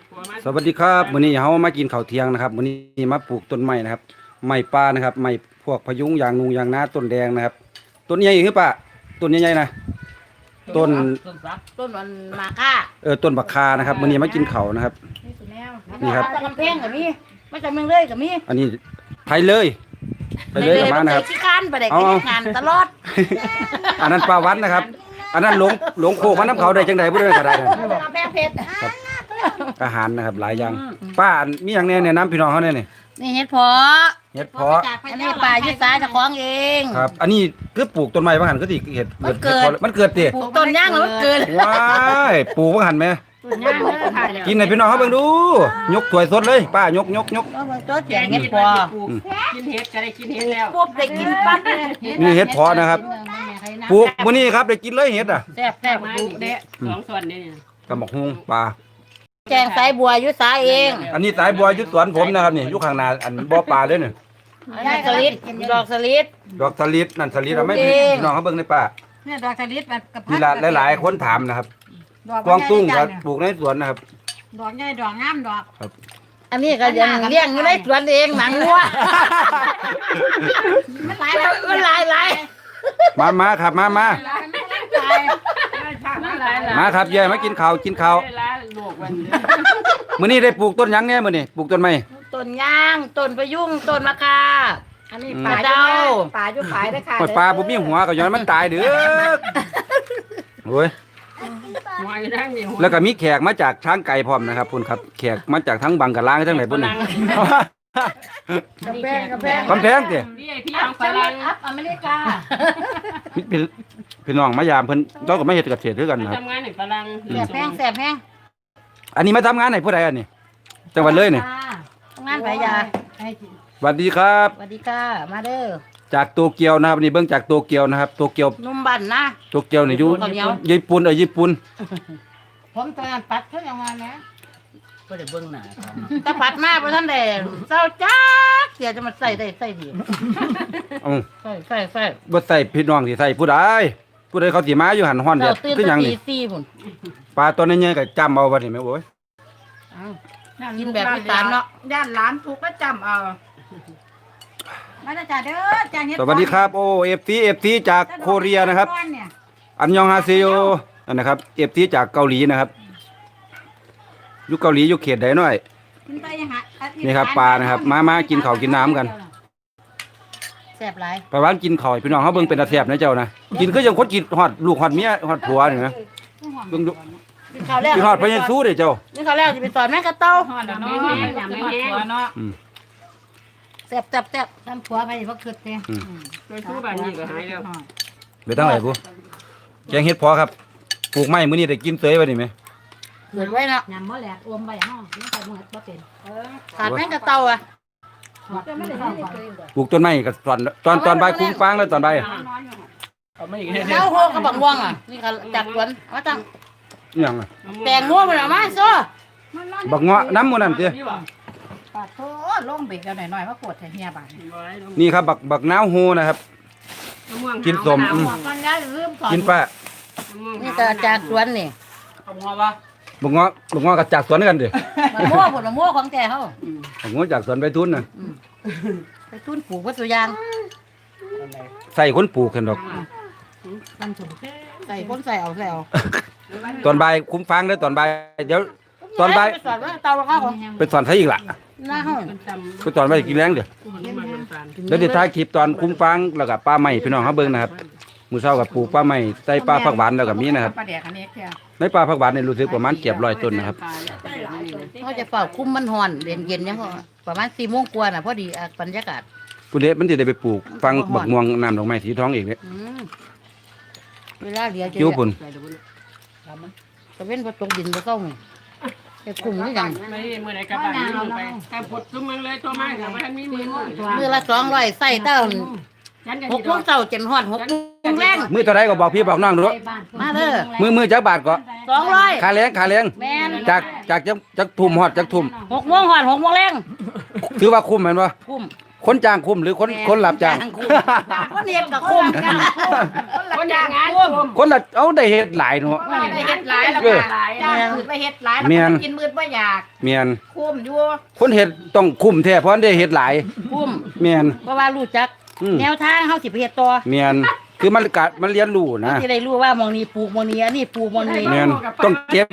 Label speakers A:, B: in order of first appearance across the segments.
A: สวัสดีครับวันนี้เรามากินข้าวเที่ยงนะครับวันนี้มาปลูกต้นไม้นะครับไม้ป่านะครับไม้พวกพะยุงยางนูยางนาต้นแดงนะครับต้นใหญ่คือป่ะต้นใหญ่ๆนะต้น
B: ต้นมันมาค่า
A: ต้นบักคานะครับวันนี้มากินข้าวนะครับนี่ครับ
B: กำแพงกับมีไม่จำเมืองเลยกับมี
A: อันนี้ไทยเลยกับมานะครับ
B: ขี้ข้านไปได้กินงานตลอด
A: อันนั้นปลาวัดนะครับอันนั้นหลงโคกมันน้ำเขาได้จังใดบ่ได้ก็ได้
B: กำแพงเพชร
A: ครับอาหารนะครับหลายอย่างป้ามีอย่างแน่เนี่ยน้ำพี่น้องเขาเนี่ย
B: นี่เห็ดเพาะอันนี้ปลายุสาจะคล้องเอง
A: ครับอันนี้คือปลูกต้นไม้บางหันก็สิเห็ดมันเกิดดิ
B: ปลูกต้นย่างแล้วมันเกิด
A: ว้ายปลูกบางหันไหมกินไหนพี่น้องเขาเบิ่งดูยกถ้วยสดเลยป้ายก
B: ตัวแจงเห็ดเพาะ
C: กินเห็ดก็ได้กินเห็ดแล้ว
B: ปุ๊บได้กินปั๊บ
A: นี่เห็ดเพาะนะครับปลูกมื้อนี้ครับได้กินเลยเห็ดอ่ะ
B: แซ่บ
C: ปลูกเด้2ส่วนนี่
A: กระหมกฮุงปลา
B: แจงสายบัวยุสาเอง
A: อันนี้สายบัวยุสวนผมนะครับนี่อยู่ข้างหน้าอันบ่อปลาเลยนี่
B: สลิดดอกสลิด
A: นั่นสลิดเอาไม่พี่น้องเขาเบิ่งในป่า
C: เนี่ยดอกสลิดมันกับ
A: มีหลายคนถามนะครับกวางตุ้งก็ปลูกในสวนนะครับ
C: ดอกใหญ่ดอกงามดอก
A: ครับ
B: อันนี้ก็ยังเลี้ยงอยู่ในสวนเองหนังวัวมันหลาย
A: มาครับมาครับเย่มากินข้าวมื้อนี้ได้ปลูกต้นหยังเนี่ยมื้อนี้ปลูกต้นไม้
B: ต้นย่างต้นพะยุงต้นมะข่าอันนี้ปลาเดา
C: ปลาอยู่ขายได้ค่ะ
A: ปลาบ่มีหัวก็ย้อนมันตายเด้อโอ้ยแล้วก็มีแขกมาจากช้างไก่พร้อมนะครับพุ่นครับแขกมาจากทั้งบังกะลางทั้งไหนพุ่นนี่
B: กำแพง
A: ติ
C: พี่น้องฝรั่ง
B: อเมริกา
A: พี่น้องมายามเพิ่นเราก็มาเฮ็ดเกษตรด้วยกันนะครับ
C: ทำงานให้ฝรั่ง
B: แซ่บแห้ง
A: อันนี้มาทำงานให้ผู้ใดอันนี้จังหวัดเลยนี่
B: ทำงานไผยา
A: สวัสดีครับ
B: สวัสดีค่ะมาเด้อ
A: จากโตเกียวนะครับนี่เบิ่งจากโตเกียวนะครับโตเกียว
B: นุ่มบั่นนะ
A: โตเกียวนี่อยู่ญี่ปุ่นญี่ปุ่น
C: ผมตอนปัดเพิ่นเอามานะ
B: บ่ได้เบิ่งหน้าตะปัดมาบ่ทันได้เจ้าจักเสียจะมาใส่ได้ใส่ดีใส่
A: บ่ใส่พี่น้องสิใส่ผู้ใดเขาสิมาอยู่หันฮ้อนเด้อคือหยังนี่ปลาตัวนี้ใหญ่ก็จำเอาบัดนี้แม่โอ้ย
B: กินแบบอีสานเนาะ
C: ย่านหลานถูกก็จำเอามาจ้าเด้อจ้าเฮ็ด
A: สวัสดีครับโอ้ FC จากโคเรียนะครับอันยองฮาเซโยนะครับ FC จากเกาหลีนะครับอยู่เกาหลีอยู่เขตใดหน่อยนี่ครับปลานะครับมากินข้าวกินน้ำกัน
B: แซ่บหลาย
A: ปลาหวานกินข้าวพี่น้องเขาเบิ่งเป็นตาแซ่บนะเจ้านะกินคือจังคนกินฮอดลูกฮอดเมียฮอดผัวนี่นะเบิ่งดู
B: กินข้าวแล้ว
A: กินฮอดพญาสู้เด้เจ้า
B: กินข้าวแล้วสิไปสอนแม่กระเต้า
C: ฮอดเนาะเนาะ
B: แซ่บทำผัวไปบ่คิดแท้
C: โดยสู้บ้านนี้ก็หายแล้ว
A: ไปตั้งไหนกูแกงเฮ็ดพอครับปลูกไม้มื้อนี้ได้กินเตยไว้นี่มั้ย
B: เกิดไว้เนาะ
C: ยำบ่แหลกอมไว้เฮาไม่ใส่หมดบ่เป็น
B: ขาดแม่กระเต้าอ่ะ
A: ปลูกต้นไม้ก็ตอนใบคุ้มฟางแล้วตอนใบ
B: แล้วโหกับบักม่วงอ่ะนี่ก็จากสวนมาตั้ง
A: หยังอ่ะ
B: แตงงัวมันเอามาซ้อ
A: บักเงาะน้ำมื้อนั้นติ
C: ปาดโธ่ลงเบรกเอาหน่อยๆมาปวดแท้เฮียบาด
A: นี่ครับบักนาวโฮนะครับกินสมกินป้า
B: นี่ก็จากสวนนี่
A: บักเงาะก็จากสวนกันดิ
B: บักม่วงผลบักม่วงของแกเฮา
A: บักเงาะจากสวนไปทุนน่ะ
B: ไปทุนปลูกวัตถุยาง
A: ใส่คนปลูกกันดอก
B: ใส่คนใส่เอา
A: ตอนบ่ายคุ้มฟังได้ตอนบ่ายเดี๋ยวตอนบ่าย
B: ไปสอนว่าเตาข้าวของ
A: ไปสอนใช้อีกล่ะ
B: หน้าห้อง
A: ไปสอนไปกินแรงเดี๋ยวท้ายคลิปตอนคุ้มฟังแล้วก็ป้าใหม่พี่น้องเขาเบิ่งนะครับมื้อเช้ากับปลูกป้าใหม่ใส่ปลาผักหวานแล้วก็มีนะครับในปลาผักหวานเนี่ยรู้สึกประมาณ700ต้นนะครับ
B: เขาจะเฝ้าคุ้มมันฮ้อนเย็นๆยังประมาณ4 โมงกว่าน่ะพอดีบรรยากาศ
A: ผู้เด็กมันสิได้ไปปลูกฟังบักม่วงน้ำดอกไม้สีทองอีกเด้
B: เวลาเหลือจะ
A: คิ้วพุ่น
B: ตะเว้นบ่ตกดินบ่เซานี่แต่คุ้มนี่จัง
C: ไม่มื้อใดกลับบ้านลงไปแต่พดซุมเมืองเลยตัวมาก็บ่ทันมี
B: มื้อละ200ใส่เต้า6 โมงเช้าจนฮอด6 โมงแลง
A: มื้อเท่าใดก็บอกพี่บอกน้องดู
B: มาเด้
A: อมื้อจักบาทก็
B: 200
A: ค่าแรง
B: แม่น
A: จากจักทุ่มฮอดจักทุ่ม
B: 6 โมงฮอด6 โมงแลง
A: ถือว่าคุ้มแม่นบ่
B: คุ้ม
A: คนจ้างคุมหรือคนรับจ้าง
B: คนเฮ็ดก็คุ้มจ้างคุ้มคนจ้างคุ้ม
A: คนละเอาได้เฮ็ดหลายเนาะ
C: ได้เฮ็ดหลายแล้วก็จ้างมืดไปเฮ็ดหลายแล้วก็กินมืดบ่อยาก
A: แม่น
C: คุ้มอยู่
A: คนเฮ็ดต้องคุ้มแท้เพราะได้เฮ็ดหลาย
B: คุ้ม
A: แม่น
B: เพราะว่ารู้จัก
A: อืม
B: แนวทางเฮาสิไปเฮ็ดต่อ
A: แม่นคือมันเรียนรู้นะ
B: สิได้รู้ว่าหมองนี้ปลูกหมองนี้อันนี้ปลูกหมองนี้
A: แม่นต้องเก็บ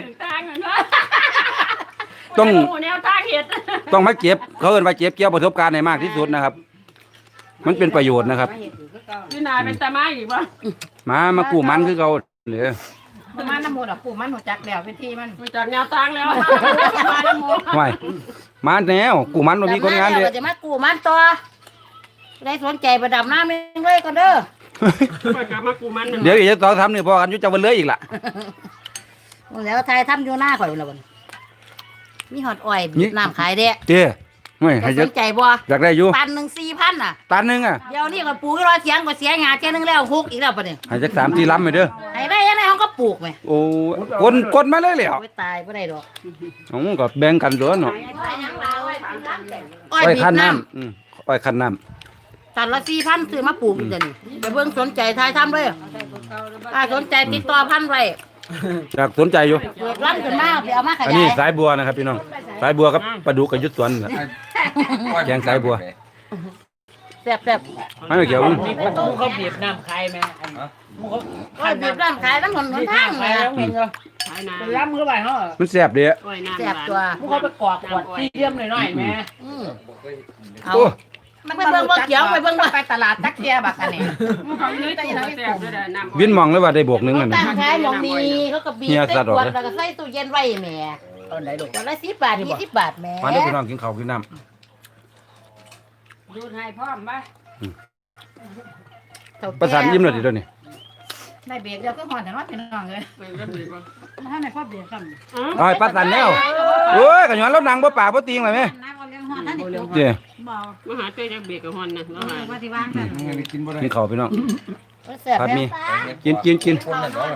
A: ต้อง
C: แนวทางเฮ็ด
A: ต้องมาเก็บเขาเอิ้นว่าเก็บเกี่ยวประสบการณ์ให้มากที่สุดนะครับ มันเป็นประโยชน์นะครับ
D: พี่นาเป็นตามาอีกบ่
A: มากู้มันคือเขาเด้อ
C: มันน้ำมูดอ่ะปู่มันหัวจักแล้ววิธีมัน
D: มีจากแนวทางแล้ว
C: มาน้ำมูด
A: ไว้มาแนวกู้มันบ่มีคนงาน
B: เด้
A: เด้อ
B: จะมากู้มันต่อได้สนใจไปดำน้ำเองเลยก่อนเด้อ
D: ไปกลับมากูมัน
A: เดี๋ยวอีกจะต่อทำนี่พอกันอยู่จะวันเลยอีกล่ะ
B: แล้วไทยทำอยู่หน้าข่อยแล้วบัดมีหอดอ้อยบีบน้ำขายเด้
A: เจ้ไม่ให้
B: จะ
A: เย
B: ส
A: อะ
B: นใจบ่
A: อยากได้อยู่
B: ตันหนึ่ง4,000น่ะ
A: ตันหนึงอ่ะ
B: เดี๋ยวนี้ก็ปลูกรอเสียงก็เสียงาเจ้านึงแล้วฮุกอีกแล้วปะเนี่ย
A: ให้จัก3-4ลำไปเด้อ
B: ให้ได้ยังไงเขาก็ปลูกไหม
A: โอ้กดมาเลยแล้ว
B: ไม่ตายไม่ได้ดอก
A: อ๋อก็แบ่งกันเด้อเนาะ
B: อ้อย
A: อ้อย
B: บี
A: คั้น
B: บน้
A: น้ำอ้อยคั้นน้
B: ำตันละ4,000ซื้อมาปลูกอีกเดี๋ยวนี้ไปเบิ่งสนใจทายทำเลยถ้าสนใจติดต่อพันไว้
A: ำอยากสนใจอยู่
B: เปิดร้านขึ้นมาไปเอามาข
A: อัน
B: ยา
A: นี้
B: ย
A: สายบัวนะครับพี่น้องสายบัวกับปลาดุกกับยุดสวนน่ะ แกงสายบัว
B: แซ่บแซ่บ
A: ไม่เกี่ยว
E: มีประตูเขาบีบน้ำใครไหมอันหมูเขา
B: อ้อยบีบน้ำขายน้ำหนหนทาง
E: ใคร
B: เลย
E: แล้วเงินเหรอ
D: ขายนา
E: ไปรับมือไปเขาเหรอ
A: มันแซ่บเด้อ
D: อ้อยน้ำ
B: แซ่บตัว
E: หมูเขาไปกอกขวดที่เยี่ยมหน่อยๆแม่
B: อืมเอา
A: โอ้
C: ไปเบิ่งบ่เขียวไปเบิ่งไปตลาดจักเทียบักอันนี้
D: เขาเลยตัวแซ่บด้วยน้ำ
A: วินมองเลยว่าได้บวกหนึงอัน
B: ตั้
A: นี้
B: งขายหมองนี้เขาก็บีบ
A: เฮีย
B: ใส่
A: สัตว์
B: ข
A: ออก
B: วด
A: เลย
B: แล้วก็ใส่ตู้เย็นไว้แหม่
E: ตอนไหนลูก
B: ขวดละ10 บาท20 บาทแหม่
A: มาเด้อพี่น้องกินข้าวกินน้
D: ดูให้พร้อมป่ะ
A: ำประสานยิ้มเลยดิเดี๋ยวนี้
C: ได้เบรกเดียวก็หอนแต่ว่าพี่น้องเลย
D: ไปกันดีป่ะ
C: ถ้าในพ่อเบรกกัน
A: อ้อยประสานแล้วโอ้ยก็ย้อนเราดังบ่ปากบ่ติงเลยแม่
C: น้ำเอาเลี้ยงหอนนั่นนี่
A: เจ้
C: เบาม
D: หาเจ้าจากเบรกกับฮอนนะแล้วหา
C: ว่าที่ว่างกัน
A: กินข้าวพี่น้อง
B: แซ่บ
A: ผัด
B: แม่
A: หมีกิน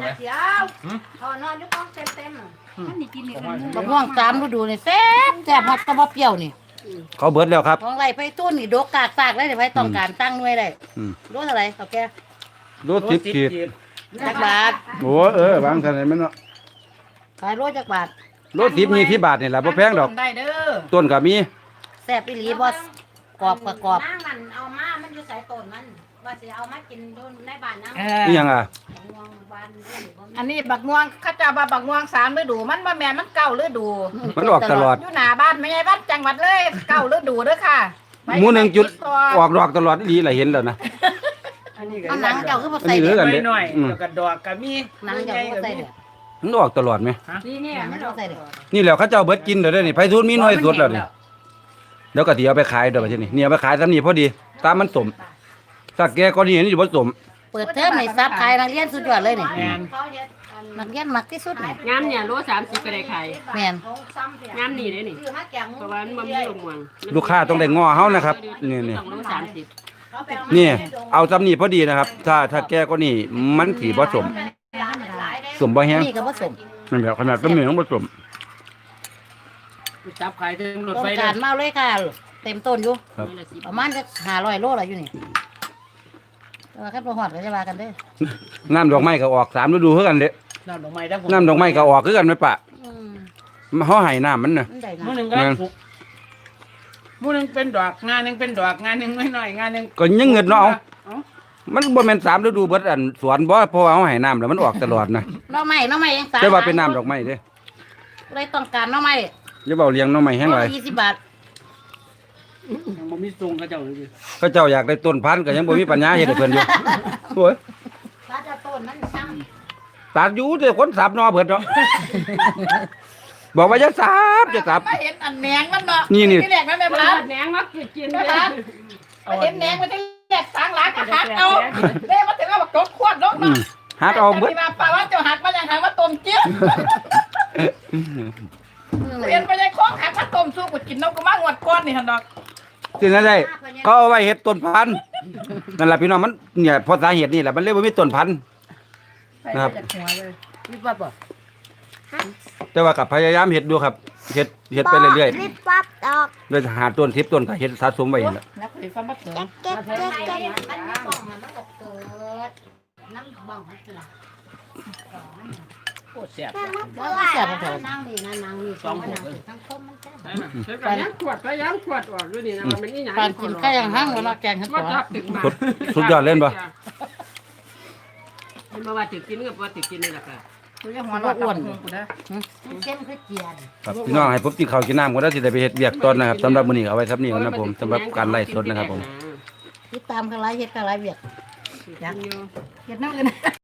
C: มันนี่กินนี่กัน
B: บักม่วงตามฤดูนี่แซ่บแซ่บฮอดตะบ่เปรี้ยวนี่
A: เขาเบิดแล้วครับ
B: ของไรไปตุ้นนี่ดกกากซากเลยเดี๋ยวไปต้องการตั้งหน่วยได้
A: อืม
B: รู้เท่าไหร่เขาแก
A: รถ10ขีด
B: จักบาท
A: โอ้วางซั่นมันเนาะ
B: ขายโลจักบาท
A: รถ10มีที่บาทนี่ล่ะบ่แพงดอก
C: ได้เด้อ
A: ต้นก็มี
B: แซ่บอีหลีบ่กรอบกับกรอบ
F: นั่งนั่นเอามา มันอยู่สายต้นมัน ว่าสิเอามากินโดนในบ้านนะ
A: นี่หยังอ่ะ
F: ม่วงบ้านเรื่องบ่มี
C: อันนี้บักม่วงข้าเจ้าว่าบักม่วง3ฤดูมันบ่แม่นมันเก่าฤดู
A: มันออกตลอด
C: อยู่หน้าบ้านไม่ใช่บ้านจังหวัดเลยเก่าฤดูเด้อค่ะ
A: หมูหนึ่งจุดออกดอกตลอดอีหลีล่ะเห็นแล้วนะ
E: อันนี้ก็
B: เอาหนังเจ้าคือบ่
A: อัน
B: ใส่
A: นี้เหลื
B: เด้
A: อ
B: อ
A: กัน
E: หน่อยๆแล้วก็ดอกก็มี
B: หนังเจ้าคือบ่ใส่เด้อ
A: มันออกตลอดไหม
D: นี่เนี่ย
B: หนังเจ้าบ่ใส่เด้อ
A: นี่แหล้วเขาเจ้าเบิดกินเด้อเด้อนี่ไผทุนมีน้อยสุดแล้วนี่เดี๋ยวก็สิเอาไปขายเด้อบัดนี้เนี่ยเอาไปขายซำนี้พอดี ตามมันสมถ้าแกก็นี่อยู่บ่สม
B: เปิดเทอมให้ซับขายนักเรียนสุดยอดเลยนี่
E: แม่น
F: เขาเฮ็ดอัน
B: นักเรียนมักที่สุดนี่
D: งามเนี่ยโล30ก็ได้ขาย
B: แม่น
F: ของซ้ำเสีย
D: งามนี่ได้นี่
F: ซื้อมาแกงหมู
D: เพราะว่ามันบ่มีลงม่วง
A: ลูกค้าต้องได้ง้อเฮานะครับนี่
D: ต้องโล30
F: เขาไปเอา
A: นี่เอาซำนี้พอดีนะครับ ถ้าแกก็นี่มันสิบ่สม
F: ร้านหลายได้
A: สมบ่แฮง
B: นี่ก็บ่สม
A: นั่นแบบขนาดก็มีของบ่สม
E: จับขายถึงรถ
B: ต้อง
E: ไฟ
B: การมาเอาเลยค่ะ เต็มต้นอยู่
A: ครับ
D: นี่ละ10
B: ประมาณจะ500 โลละอยู่นี่แต่ว่าคันบ่ฮอดก็จะว่ากันเด้อ
A: น้ำดอกไม้ก็ออก3ฤดูคือกันเด้
E: น้ำดอกไม้ทั้งผม
A: น้ำดอกไม้ก็ออกคือกันไหมปะ
B: อืม
A: เฮาให้น้ำมันน่ะ
B: มันได้นะ
E: หมูหนึ่งก็สุกหมูหนึ่งเป็นดอกงานหนึ่งเป็นดอกงานหนึ่งน้อยๆงานหนึ่ง
A: ก็ยังเงินเนาะเอามันบ่แม่น3ฤดูเบิดอันสวนบ่เพราะว่าเฮาให้น้ำแล้วมันออกตลอดนะ
B: หน่อไม้ยังสา
A: แต่ว่าเป็นน้ำดอกไม้เด้
B: เลยต้องการหน่อไม้
A: อย่าเว้าเลี้ยงหน้องไม้แห้งหลาย
B: 20 บาท
E: ยังบ่มีทรงเขาเจ้าเลย
A: เขาเจ้าอยากได้ต้นพันธุ์ก็ยังบ่มีปัญญาเฮ็ดให้เพิ่นอยู่โอ้ย
F: ถ้าจะต้นมันซ้ำ
A: ตัดอยู่แต่คนสับหนอเบิดเนาะบอกว่าอย่าสับอย่าสับ
C: มาเห็นอันแหนงมันเนาะ
A: นี่
C: ที่แรกมันแม่
D: เปิ
C: พัด
D: ดแหนงมากิน
C: แม่
D: เลย
C: พัดมาเห็นแหนงมันที่แรกสางหลังก็หักเอาเด้มาถึงเอาบักจกขวดลง
A: อื
C: เนาะ
A: มหักเอาเบิด
C: ที่มาป่าว่าเจ้าหักมาอย่างหักมาต้มเจี๊ยบเรียนไปยังคล้องหักมาต้มสู้กูกินนกกูมางวดก้อนนี่หั่นดอก
A: สินั่นได้เขาเอาไว้เฮ็ดต้นพันธุ์นั่นล่ะพี่น้องมันเนี่ยเพราะสาเหตุนี่แหละมันเลยบ่มีต้นพันธุ์ นะครับ
C: ใส่ไปจากหัวเลย
B: มีบ่บ่
A: แต่ว่าก็พยายามเฮ็ดดูครับเฮ็ดไปเรื่อยๆ
F: ริบปั๊บ
G: ดอก
A: ด้วยหาต้น10ต้นก็เฮ็ดสะสมไว้นั่นแหละ
B: แล้วคุยฟังมาเถิง
G: เก็บ
F: มันไม่บ้องมันก็เกิดน้ำบ้องมันคือ
E: โคตรแซ่บ
B: แล้วแซ่บมาเถิง
F: นั่งดีนะนั่งนี่สองคนทั้งคมมันแซ่บ
D: ใช่ไหมใช้กันยังขวดไปยังขวดออกด้วยนี่นะมันนี่หยัง
B: ปานกินไก่ย่างห้างแล้วเนาะแกงเห็ด
D: ว่า
B: ปอ
D: จับถึงมา
A: สุดยอดเล่นบ่
D: มันมาว่าถึงกินกับว่าถึงกินนี่แหละค่ะ
E: กูจะหัวเราะอ้วนกูนะ
F: เข้มคือเจียน
A: ครับพี่น้องให้ผมกินข้าวกินน้ำก็ได้สิได้ไปเฮ็ดเวียกตอนนะครับสำหรับมื้อนี้เอาไว้ครับนี่ก่อนนะผมสำหรับการไล่สดนะครับผม
B: ติดตามกันหลายเฮ็ดกันหลายเวียด
D: ยัง
C: เก็บน้ำอื่น